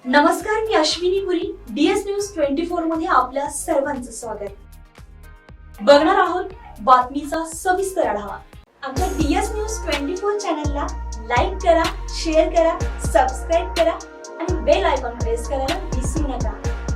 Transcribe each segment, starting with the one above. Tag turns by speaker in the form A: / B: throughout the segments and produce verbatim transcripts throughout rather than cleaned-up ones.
A: नमस्कार, मी Ashwini Puri. DS news twenty four मध्ये आपल्या सर्वांचं स्वागत. बघणार आहोत बातमीचा सविस्तर आढावा. आमच्या डीएस न्यूज ट्वेंटी फोर चॅनलला लाईक करा, शेअर करा, सबस्क्राईब करा आणि बेल आयकॉन प्रेस करायला विसरू नका.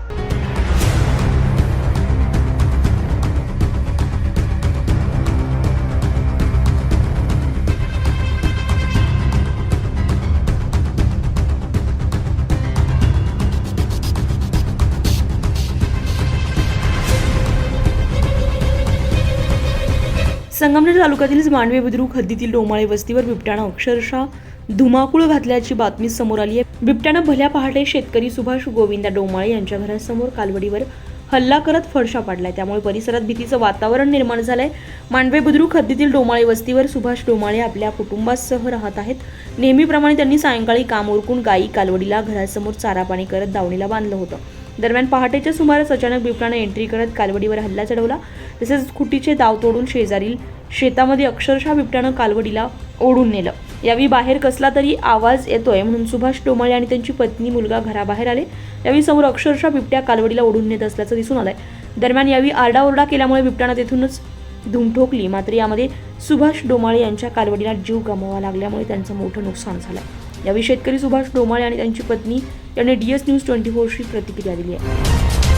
B: संगमनेर तालुक्यातील मांडवे बुद्रुक हद्दीतील डोमाळे वस्तीवर बिबट्यानं अक्षरशः धुमाकूळ घातल्याची बातमी समोर आली आहे. बिबट्यानं भल्या पहाटे शेतकरी सुभाष गोविंदा डोमाळे यांच्या घरासमोर कालवडीवर हल्ला करत फडशा पाडलाय. त्यामुळे परिसरात भीतीचं वातावरण निर्माण झालंय. मांडवे बुद्रुक हद्दीतील डोमाळे वस्तीवर सुभाष डोमाळे आपल्या कुटुंबासह राहत आहेत. नेहमीप्रमाणे त्यांनी सायंकाळी काम उरकून गायी कालवडीला घरासमोर चारा पाणी करत दावणीला बांधलं होतं. दरम्यान पहाटेच्या सुमारास अचानक बिबट्यानं एंट्री करत कालवडीवर हल्ला चढवला. तसेच खुटीचे दाव तोडून शेजारील शेतामध्ये अक्षरशः बिबट्यानं कालवडीला ओढून नेलं. यावेळी बाहेर कसला तरी आवाज येतोय म्हणून सुभाष डोमाळे आणि त्यांची पत्नी मुलगा घराबाहेर आले. यावेळी समोर अक्षरशः बिबट्या कालवडीला ओढून नेत असल्याचं दिसून आलंय. दरम्यान यावेळी आरडाओरडा केल्यामुळे बिबट्यानं तेथूनच धूम ठोकली. मात्र यामध्ये सुभाष डोमाळे यांच्या कालवडीला जीव गमवावा लागल्यामुळे त्यांचं मोठं नुकसान झालंय. यावेळी शेतकरी सुभाष डोमाळे आणि त्यांची पत्नी यांनी डीएस न्यूज ट्वेंटी फोरशी प्रतिक्रिया दिली आहे.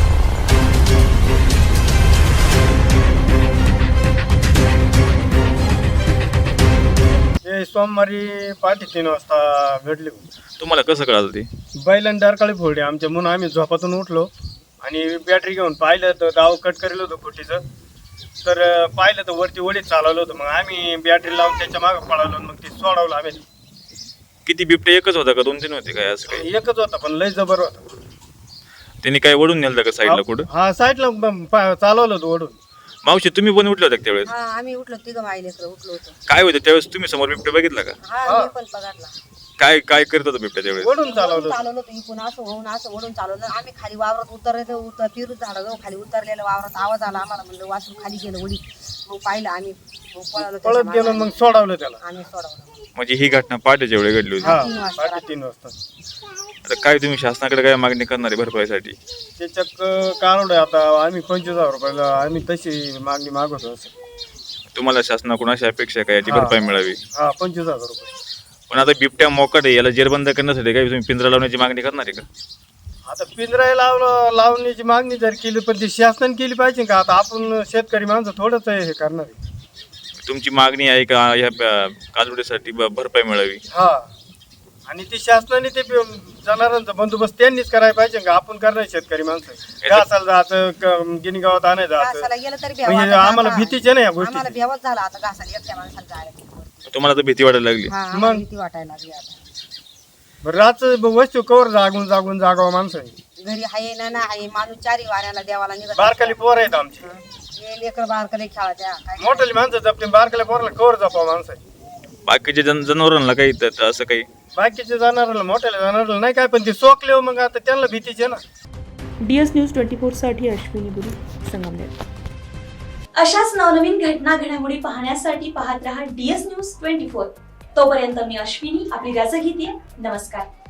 C: हे सोमवारी पहाटे तीन वाजता घडले.
D: तुम्हाला कसं कळालं ते?
C: बैलांनी डरकाळी फोडली आमच्या, म्हणून आम्ही झोपातून उठलो आणि बॅटरी घेऊन पाहिलं तर दाव कट करेल होतं खोटीचं. तर पाहिलं तर वरती ओढीत चालवलं होतं. मग आम्ही बॅटरी लावून त्याच्या मागं पळालो. मग ते सोडवलं आम्ही.
D: किती बिबटे एकच होता का दोन तीन होते काय असं काही?
C: एकच होता पण लय जबर होता.
D: त्यांनी काय ओढून नेलं का साईडला कुठं?
C: हा, साईडला ब- चालवलं होतं ओढून.
D: मावशी तुम्ही पण उठले होते का त्यावेळेस?
E: हा, आम्ही उठलो तिघं मायले उठलो होतो.
D: काय होतं त्यावेळेस? तुम्ही समोर बिबटे बघितला का?
E: हा, मी पण पगारला
D: काय काय करत होता बिबट्या त्यावेळेस?
C: ओढून चालवलं.
E: चालवलं होतं इकून असं होऊन असं ओढून चालवलं. आम्ही खाली वावरात उतरले उतर फिरू झाडं जाऊ खाली उतरलेलं वावरात आवाज आला आम्हाला. म्हणलं वासरू खाली गेलं उडी. मग पाहिलं आम्ही, मग पळालो
C: पळत
E: त्याच्या
C: गेलो.
E: मागं.
C: मग सोडवलं त्याला.
E: आम्ही सोडवलं.
D: म्हणजे ही घटना पहाटेच्या वेळी घडली होती.
C: हा,
E: तीन वाजता
C: पहाटे तीन वाजता.
D: आता काय तुम्ही शासनाकडे काय मागणी करणार आहे भरपाईसाठी?
C: त्याच्यात काढलं आता आम्ही पंचवीस हजार रुपयाला आम्ही तशी मागणी मागवतो. असं
D: तुम्हाला शासनाकडून अशी अपेक्षा आहे का याची
C: हा.
D: भरपाई मिळावी?
C: हा, पंचवीस हजार रुपये.
D: पण आता बिबट्या मोकाट आहे, याला जेरबंद करण्यासाठी काय तुम्ही पिंजरा लावण्याची मागणी करणार आहे का?
C: आता पिंजरा लावलं लावण्याची मागणी जर केली पण ती शासनाने केली पाहिजे का? आता आपण शेतकरी माणसं थोडंच हे करणार आहे.
D: तुमची मागणी आहे का या कालवडीसाठी ब- भरपाई मिळावी?
C: हा, आणि ती शासनाने ते जनावरांचा बंदोबस्त त्यांनीच करायला पाहिजे का? आपण करणार शेतकरी माणसं. घासाला जायचं, गिनी गावात आणायला जायचं.
E: घासाला गेलं तरी भ्यावं
C: म्हणजे
E: वाटतं
C: आम्हाला
E: आता.
C: भीतीच आहे ना या
E: आम्हाला
C: गोष्टी.
E: भ्यावंच झालं आता घासाला एकट्या माणसाला जायला.
D: तुम्हाला तर भीती वाटायला लागली?
E: हा, आम्हाला
C: मग?
E: भीती वाटायला लागली आता.
C: रात वस्तू कवर जागून जागून जागावं माणसं.
E: घरी हाय ना ना हाय माणूस चारी वाऱ्याला देवाला निघत.
C: बारकाली पोर आहेत आमची.
E: हे लेकर बारकले खेळायच्या काय.
C: मोठाली माणसं जपते, बारकाल्या पोराला कवर जपावं माणसं.
D: बाकीच्या जन जनावरांना काही त- असं काही?
C: बाकीच्या जनावराला मोठ्याला जनावराला नाही काय, पण ते सोकले हो, मग आता त्यांना भीतीच आहे ना.
B: डीएस न्यूज ट्वेंटी फोर साठी अश्विनी पुरी, संगमनेर.
A: अशाच नवनवीन घटना घडामोडी पाहण्यासाठी पाहत रहा डीएस न्यूज ट्वेंटी फोर. तोपर्यंत मी अश्विनी आपली रजा घेते. नमस्कार.